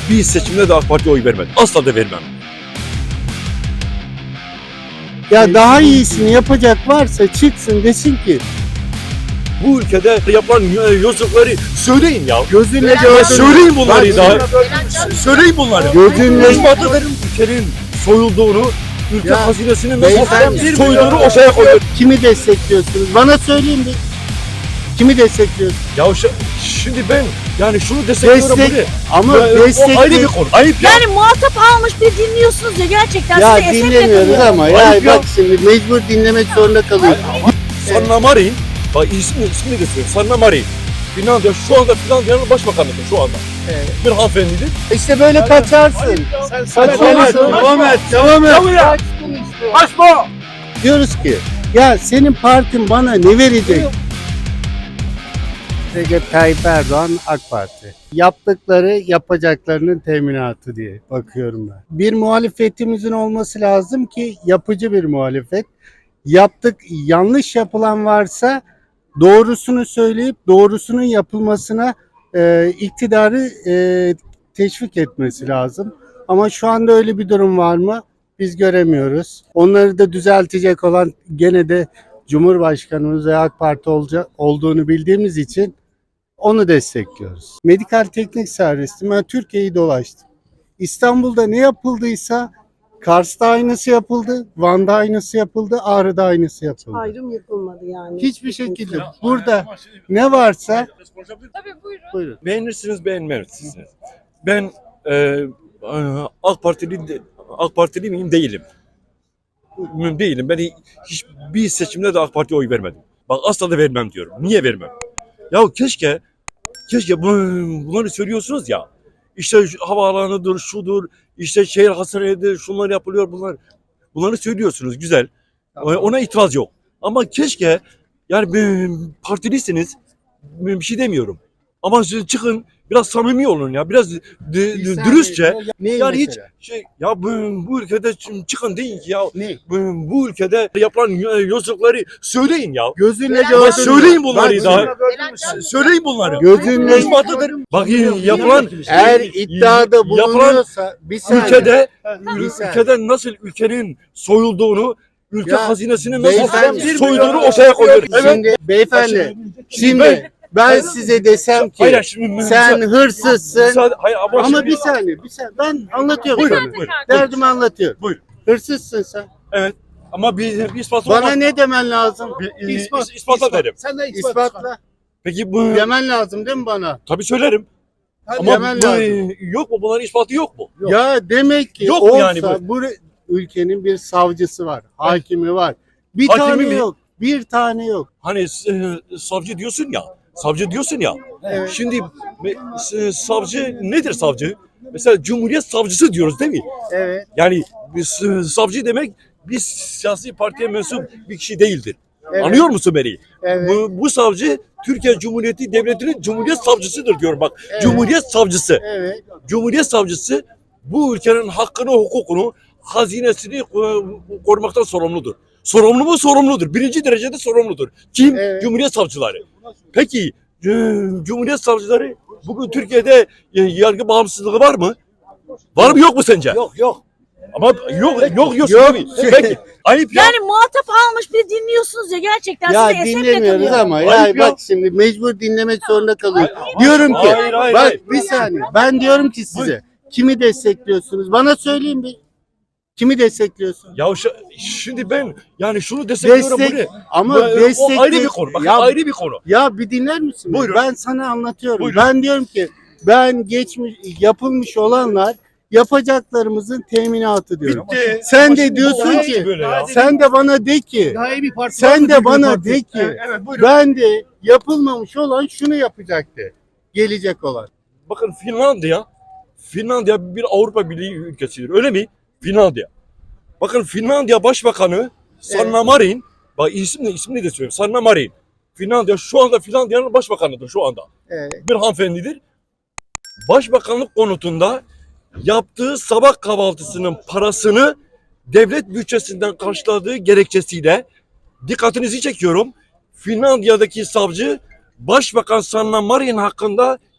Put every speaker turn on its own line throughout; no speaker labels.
hiçbir seçimde de AK Parti'ye oy vermedim. Asla da vermem.
Ya daha iyisini yapacak varsa çıksın desin ki
Bu ülkede yapılan yozlukları söyleyin ya.
gözünle
Ya
gördün.
söyleyin bunları
Bak,
da. Söyleyin bunları.
Gözünle
İspat ederim ülkenin soyulduğunu, ülke
Ya,
hazinesinin
beyefendi,
nasıl soyulduğunu ortaya koyuyor.
kimi destekliyorsunuz? Bana söyleyin bir. Kimi destekliyorsunuz?
Ya şimdi ben yani şunu destekliyorum
Destek
buraya.
ama
Ya, o ayrı bir
destek
konu. Ayıp ya.
Yani muhatap almış bir dinliyorsunuz ya gerçekten
ya
size eser
dinlemiyoruz
yakınıyor.
ama
Ayıp
ya
ya.
bak şimdi mecbur dinlemek zorunda kalıyoruz.
Sanna Marin, bak ismini de söyleyeyim. Sanna Marin. Finlandiya şu anda Finlandiya'nın başbakanıdır şu anda.
Evet.
Bir hanımefendidir.
İşte böyle kaçarsın. Kaçarsın. Devam et. Kaçtın işte.
Açma!
Diyoruz ki ya senin partin bana ne verecek? Recep Tayyip Erdoğan AK Parti. Yaptıkları yapacaklarının teminatı diye bakıyorum ben. Bir muhalefetimizin olması lazım ki yapıcı bir muhalefet. Yanlış yapılan varsa doğrusunu söyleyip doğrusunun yapılmasına iktidarı teşvik etmesi lazım. Ama şu anda öyle bir durum var mı? Biz göremiyoruz. Onları da düzeltecek olan gene de Cumhurbaşkanımız ve AK Parti olduğunu bildiğimiz için onu destekliyoruz. Medikal teknik servistim. Ben Türkiye'yi dolaştım. İstanbul'da ne yapıldıysa Kars'ta aynısı yapıldı, Van'da aynısı yapıldı, Ağrı'da aynısı yapıldı.
Ayrım yapılmadı yani.
Hiçbir şekilde burada ne varsa
Tabii buyurun.
buyurun.
Beğenirsiniz, beğenmezsiniz. Ben AK Partili miyim? Değilim. Değilim. Ben hiçbir seçimde de AK Parti'ye oy vermedim. Bak asla da vermem diyorum. Niye vermem? Ya keşke bunları söylüyorsunuz ya. İşte havaalanıdır, şudur, işte şehir hastanedir, şunlar yapılıyor, bunları söylüyorsunuz, güzel. Ona itiraz yok. Ama keşke yani partilisiniz, bir şey demiyorum. Ama siz çıkın biraz samimi olun ya, biraz dürüstçe. Yani hiç bu ülkede çıkın deyin ki ya
Ne?
bu ülkede yapılan yozlukları söyleyin ya.
Gözünle
Ya
gördün.
söyleyin bunları
Bak,
da. Söyleyin bunları.
Gözünle
İspat ederim. Bak yapılan
eğer iddiada bulunuyorsa bir saniye.
ülkede nasıl ülkenin soyulduğunu, ülke
Ya,
hazinesinin
beyefendi,
nasıl soyulduğunu ortaya koyuyor. Evet.
Şimdi beyefendi,
Şimdi
ben size desem ki
hayır, şimdi,
sen hırsızsın.
hayır,
Ama
şimdi-
bir saniye ben anlatıyorum
Buyurun,
sana.
buyurun.
Derdimi anlatıyorum.
Buyurun.
Hırsızsın sen.
Evet. Ama bir ispatı
Bana
olmaz.
ne demen lazım?
İspatla derim.
Sen de
İspatla.
Peki bu
Demen lazım değil mi bana?
tabii söylerim. Ama
Demen lazım.
yok mu? Bunların ispatı yok mu?
Ya demek ki
Yok mu
olsa
yani
bu ülkenin bir savcısı var, hakimi var. Bir
Hakimi
tane
mi?
yok. Bir tane yok.
Hani savcı diyorsun ya. Savcı diyorsun ya.
Evet.
Şimdi savcı nedir savcı? Mesela Cumhuriyet Savcısı diyoruz değil mi?
Evet.
Yani savcı demek bir siyasi partiye mensup bir kişi değildir.
Evet.
Anlıyor musun beni?
Evet.
Bu savcı Türkiye Cumhuriyeti Devleti'nin Cumhuriyet Savcısıdır diyorum bak.
Evet.
Cumhuriyet Savcısı.
Evet.
Cumhuriyet Savcısı bu ülkenin hakkını, hukukunu, hazinesini korumaktan sorumludur. Sorumlu mu? Sorumludur. Birinci derecede sorumludur. Kim?
Evet.
Cumhuriyet Savcıları. Peki Cumhuriyet Savcıları bugün Türkiye'de yargı bağımsızlığı var mı? Var mı yok mu sence?
Yok.
Ama yok
Yok.
tabii. Peki. Ayıp ya.
Yani muhatap almış bir dinliyorsunuz ya gerçekten
Ya
size eser
dinlemiyoruz
yakınıyor.
ama
Ayıp
ya
ya.
bak şimdi mecbur dinlemek zorunda kalıyoruz. Diyorum ki
Hayır,
bak
hayır.
bir saniye ben diyorum ki size kimi destekliyorsunuz? Bana söyleyin bir. Kimi destekliyorsun?
Ya şimdi ben yani şunu destekliyorum
Destek
buraya.
ama
O ayrı
destek
bir konu. Bak
ya,
ayrı bir konu.
ya bir dinler misin?
Buyurun.
Ben sana anlatıyorum.
Buyurun.
Ben diyorum ki ben yapılmış olanlar yapacaklarımızın teminatı diyorum.
Bitti.
Sen
Ama
de
şimdi
diyorsun
olmaz
ki
böyle ya.
sen de bana de ki
Daha iyi bir parti
sen
var
de
mı?
bana
Parti.
de ki
Evet, buyurun.
ben de yapılmamış olan şunu yapacaktı. Gelecek olan.
Bakın Finlandiya bir Avrupa Birliği ülkesidir. Öyle mi? Finlandiya. Bakın Finlandiya Başbakanı Sanna Marin, bak ismini de söyleyeyim. Sanna Marin. Finlandiya şu anda Finlandiya'nın başbakanıdır şu anda.
Evet.
Bir hanımefendidir. Başbakanlık konutunda yaptığı sabah kahvaltısının parasını devlet bütçesinden karşıladığı gerekçesiyle dikkatinizi çekiyorum. Finlandiya'daki savcı Başbakan Sanna Marin hakkında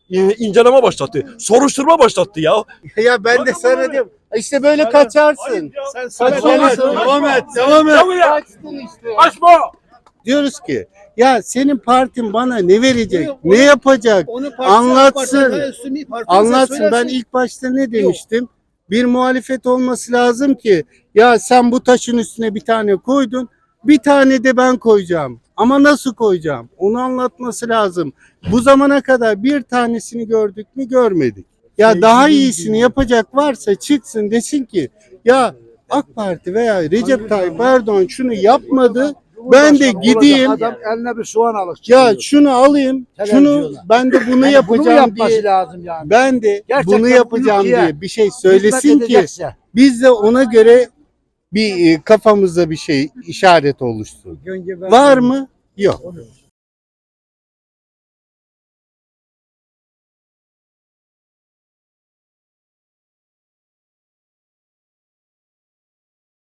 inceleme başlattı. Soruşturma başlattı ya.
Ya ben de
Bak,
sana
bak,
diyorum. İşte böyle kaçarsın.
Sen
Kaçarsın.
devam et.
Kaçtın işte.
Açma.
Diyoruz ki ya senin partin bana ne verecek? Ne yapacak? Anlatsın. Anlatsın. Ben ilk başta ne demiştim? Bir muhalefet olması lazım ki ya sen bu taşın üstüne bir tane koydun. Bir tane de ben koyacağım. Ama nasıl koyacağım? Onu anlatması lazım. Bu zamana kadar bir tanesini gördük mü? Görmedik. Ya daha iyisini yapacak varsa çıksın desin ki ya AK Parti veya Recep Tayyip Erdoğan şunu yapmadı. Ben de gideyim.
Adam eline bir soğan alır.
Ya şunu alayım. Şunu
Televizyona.
ben de bunu
Yani bunu
yapacağım
yapması
diye.
lazım yani.
Ben de
Gerçekten
bunu
bu
yapacağım
ülkeye
diye bir şey söylesin
Hizmet
ki
edecekse.
biz de ona göre bir kafamızda bir şey işaret oluşsun.
Önce ben-
Var mı? Yok.